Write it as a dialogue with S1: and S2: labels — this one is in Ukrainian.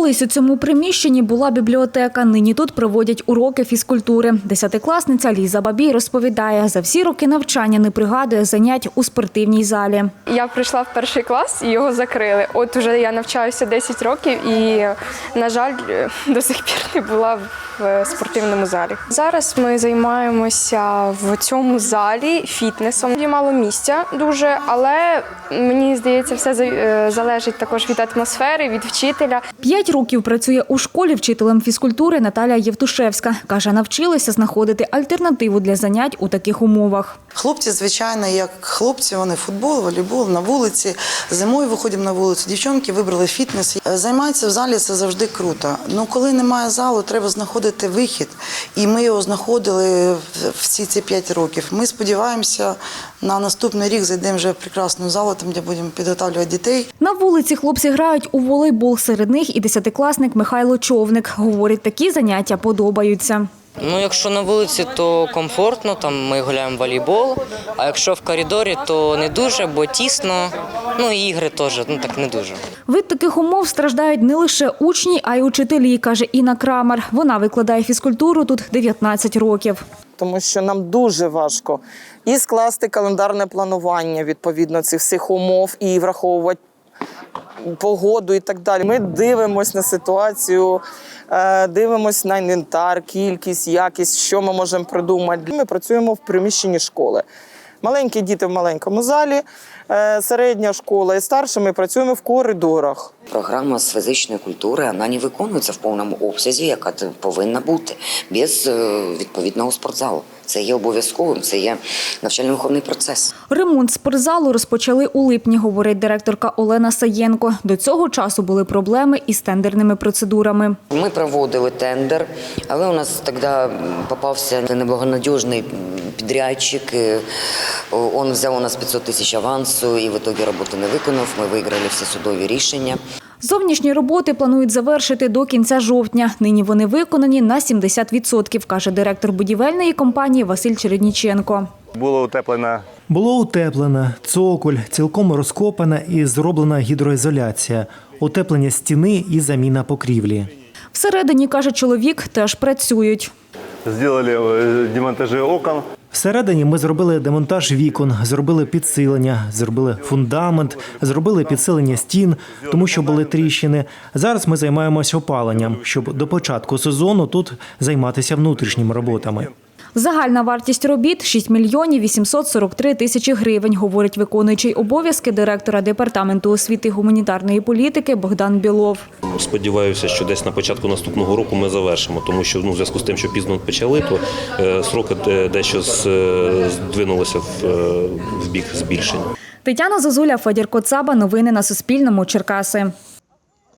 S1: Колись у цьому приміщенні була бібліотека, нині тут проводять уроки фізкультури. Десятикласниця Ліза Бабій розповідає, за всі роки навчання не пригадує занять у спортивній залі.
S2: Я прийшла в перший клас і його закрили. От уже я навчаюся 10 років і, на жаль, до сих пір не була в спортивному залі. Зараз ми займаємося в цьому залі фітнесом. Є мало місця дуже, але мені здається, все залежить також від атмосфери, від вчителя.
S1: 5 років працює у школі вчителем фізкультури Наталія Євтушевська. Каже, навчилася знаходити альтернативу для занять у таких умовах.
S3: Хлопці, звичайно, як хлопці, вони футбол, волейбол, на вулиці. Зимою виходимо на вулицю. Дівчонки вибрали фітнес. Займатися в залі – це завжди круто. Ну, коли немає залу, треба знаходити вихід. І ми його знаходили всі ці 5 років. Ми сподіваємося, на наступний рік зайдемо вже в прекрасну залу, там, де будемо підготовлювати дітей.
S1: На вулиці хлопці грають у волейбол. Серед них і 10-класник Михайло Човник. Говорить, такі заняття подобаються.
S4: Ну, якщо на вулиці, то комфортно, там ми гуляємо в волейбол, а якщо в коридорі, то не дуже, бо тісно, ну і ігри теж, так не дуже.
S1: Від таких умов страждають не лише учні, а й учителі, каже Інна Крамер. Вона викладає фізкультуру тут 19 років.
S5: Тому що нам дуже важко і скласти календарне планування відповідно цих всіх умов, і враховувати погоду і так далі. Ми дивимося на ситуацію, дивимося на інвентар, кількість, якість, що ми можемо придумати. Ми працюємо в приміщенні школи. Маленькі діти в маленькому залі, середня школа і старша ми працюємо в коридорах.
S6: Програма з фізичної культури, вона не виконується в повному обсязі, яка повинна бути, без відповідного спортзалу. Це є обов'язковим, це є навчально-виховний процес.
S1: Ремонт спортзалу розпочали у липні, говорить директорка Олена Саєнко. До цього часу були проблеми із тендерними процедурами.
S6: Ми проводили тендер, але у нас тоді попався неблагонадіжний підрядчик. Він взяв у нас 500 тисяч авансу і в ітогі роботи не виконав. Ми виграли всі судові рішення.
S1: Зовнішні роботи планують завершити до кінця жовтня. Нині вони виконані на 70%, каже директор будівельної компанії Василь Чередніченко.
S7: Було утеплено, цоколь, цілком розкопана і зроблена гідроізоляція, утеплення стіни і заміна покрівлі.
S1: Всередині, каже чоловік, теж працюють.
S8: Зробили демонтажі окон.
S7: Всередині ми зробили демонтаж вікон, зробили підсилення, зробили фундамент, зробили підсилення стін, тому що були тріщини. Зараз ми займаємося опаленням, щоб до початку сезону тут займатися внутрішніми роботами.
S1: Загальна вартість робіт – 6 мільйонів 843 тисячі гривень, говорить виконуючий обов'язки директора Департаменту освіти і гуманітарної політики Богдан Білов.
S9: Сподіваюся, що десь на початку наступного року ми завершимо, тому що в зв'язку з тим, що пізно почали, то сроки дещо здвинулися в бік збільшення.
S1: Тетяна Зозуля, Федір Коцаба. Новини на Суспільному. Черкаси.